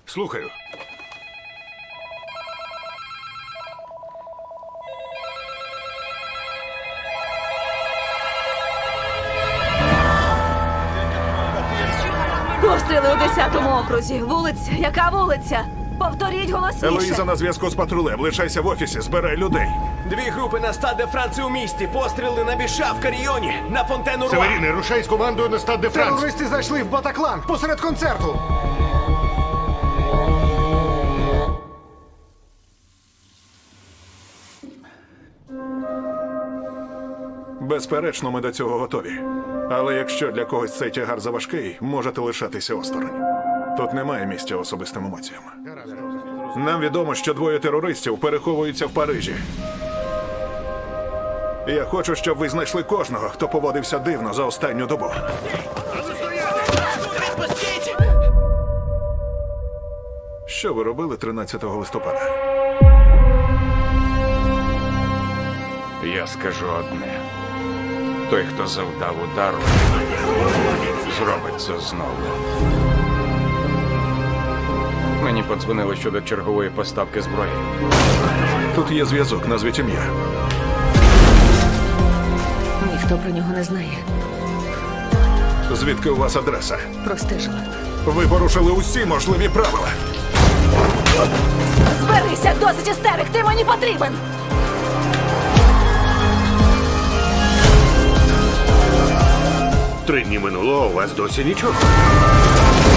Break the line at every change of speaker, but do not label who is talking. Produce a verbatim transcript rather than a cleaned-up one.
Слухаю.
Постріли у десятому окрузі. Вулиця. Яка вулиця? Повторіть голосніше.
Елоїза на зв'язку з патрулем. Лишайся в офісі, збирай людей.
Дві групи на Стад де Франції у місті. Постріли на Біша в Каріоні, на Фонтену Руа.
Северіни, рушай з командою на Стад де Франс.
Терористи зайшли в Батаклан посеред концерту.
Безперечно, ми до цього готові. Але якщо для когось цей тягар заважкий, можете лишатися осторонь. Тут немає місця особистим емоціям. Нам відомо, що двоє терористів переховуються в Парижі. Я хочу, щоб ви знайшли кожного, хто поводився дивно за останню добу. Що ви робили тринадцятого листопада?
Я скажу одне. Той, хто завдав удару, зробить це знову. Мені подзвонили щодо чергової поставки зброї.
Тут є зв'язок, назвіть ім'я.
Ніхто про нього не знає.
Звідки у вас адреса?
Простежила.
Ви порушили усі можливі правила.
Зберися, досить істерик, ти мені потрібен!
Три дні минуло, а у вас досі нічого.